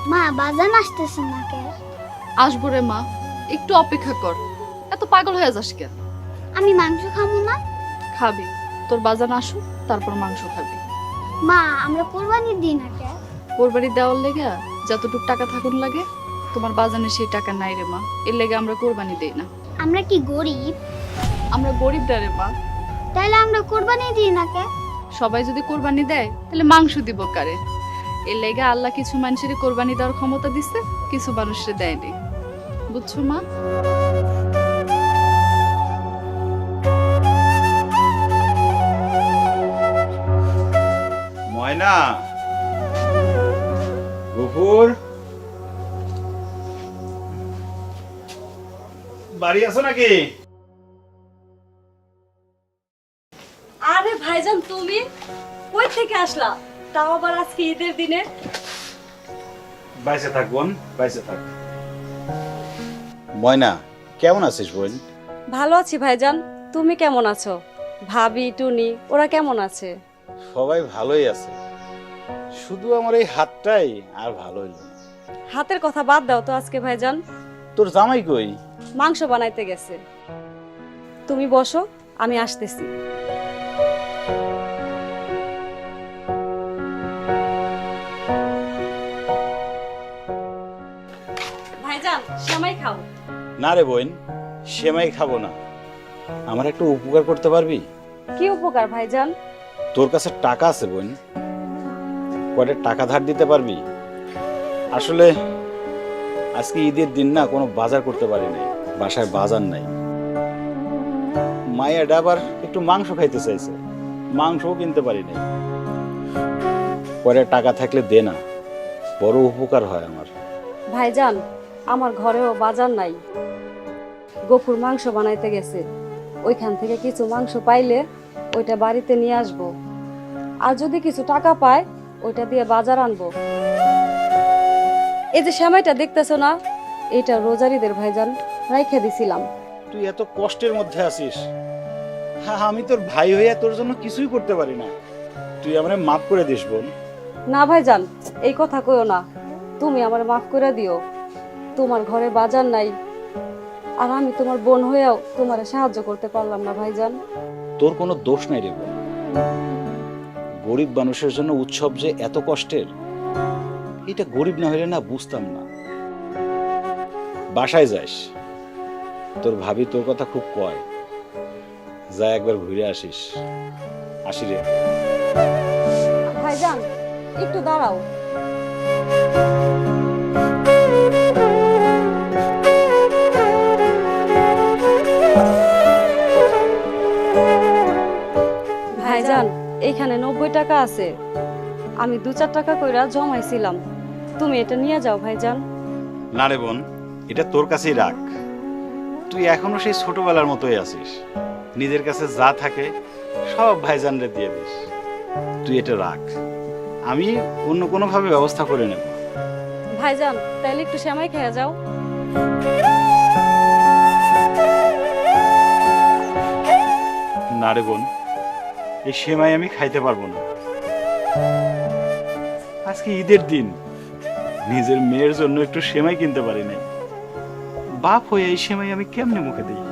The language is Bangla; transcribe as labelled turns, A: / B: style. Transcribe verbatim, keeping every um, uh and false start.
A: মা বাজান আসতেছে না কে?
B: আসবো রে মা, একটু অপেক্ষা কর। এত পাগল হয়ে যাস কেন?
A: আমি মাংস খাবো না।
B: খাবি, তোর বাজান আসুক তারপর মাংস খাবি।
A: মা আমরা কোরবানি দিই না কে?
B: কোরবানি দেওয়ার লেগে যতটুক টাকা থাকুন লাগে, তোমার বাজানে সেই টাকা নাই রে মা, এর লেগে আমরা কোরবানি দেই না।
A: আমরা কি গরিব?
B: আমরা গরিব রে মা।
A: তাহলে আমরা কোরবানি দিই না কে?
B: সবাই যদি কোরবানি দেয় তাহলে মাংস দিব কারে? এর লেগে আল্লাহ কিছু মানুষের কোরবানি দেওয়ার ক্ষমতা দিচ্ছে, কিছু মানুষের দেয়নি। বুঝছো মা?
C: ময়না, গফুর, বাড়ি আছো নাকি?
D: আরে ভাইজান, তুমি কই থেকে আসলা? তাও আবার আজকে ঈদের দিনে?
C: বাইসে থাক বোন, বাইসে থাক। ময়না, কেমন আছিস বোন?
D: ভালো আছি ভাইজান, তুমি কেমন আছো? ভাবি, টুনি ওরা কেমন আছে?
C: সবাই ভালোই আছে, শুধু আমার এই হাতটাই আর ভালো হইল না।
D: হাতের কথা বাদ দাও তো আজকে ভাইজান।
C: তোর জামাই কই?
D: মাংস বানাইতে গেছে। তুমি বসো, আমি আসতেছি। ভাইজান সেমাই খাও।
C: না রে বোন, সেমাই খাবো না। আমার একটু উপকার করতে পারবি?
D: কি উপকার ভাইজান?
C: তোর কাছে টাকা আছে বোন, কয়টা টাকা ধার দিতে পারবি? আসলে আজকে ঈদের দিন না, কোনো বাজার করতে পারি নাই, বাসায় বাজার নাই। মায়ের আবার একটু মাংস খাইতে চাইছে, মাংসও কিনতে পারি নাই। কয়টা টাকা থাকলে দে না, বড় উপকার হয় আমার।
D: ভাইজান আমার ঘরেও বাজার নাই, গফুর মাংস বানাইতে গেছে, ওইখান থেকে কিছু মাংস পাইলে ওইটা বাড়িতে নিয়ে আসবো, আর যদি কিছু টাকা পায় ওইটা দিয়ে বাজার আনবো। এই যে সেমাইটা দেখতেছো না, এটা রোজারিদের ভাইজান রাইখে দিছিলাম।
C: তুই এত কষ্টের মধ্যে আছিস, হ্যাঁ আমি তোর ভাই হইয়া তোর জন্য কিছুই করতে পারি না, তুই আমারে মাফ করে দিস বোন।
D: না ভাইজান, এই কথা কইও না, তুমি আমার মাফ করে দিও। তোমার ঘরে বাজার নাই, আর আমি তোমার বোন হয়েও তোমার সাহায্য করতে পারলাম না ভাইজান।
C: তোর কোনো দোষ নাই রে বোন, গরিব মানুষের জন্য উৎসব যে এত কষ্টের, এটা গরিব না হইলে না বুঝতাম না। বাসায় যাস, তোর ভাবি তোর কথা খুব কয়, যা একবার ঘুরে আসিস। আসি রে।
D: ভাইজান একটু দাঁড়াও। ভাইজান এইখানে নব্বই টাকা আছে, আমি দু চার টাকা কইরা জমাইছিলাম, তুমি এটা নিয়ে যাও ভাইজান।
C: না রে বোন, এটা তোর কাছেই রাখ, তুই এখনো সেই ছোটবেলার মতোই আছিস, নিজের কাছে যা থাকে সব ভাইজানরে দিয়ে দিস। তুই এটা রাখ, আমি অন্য কোনো ভাবে ব্যবস্থা করে নেব।
D: ভাইজান তাইলে একটু সেমাই খেয়ে যাও।
C: না রে বোন, এই সেমাই আমি খাইতে পারবো না। আজকে ঈদের দিন, নিজের মেয়ের জন্য একটু সেমাই কিনতে পারি নাই, বাপ হয়ে এই সেমাই আমি কেমনে মুখে দিই?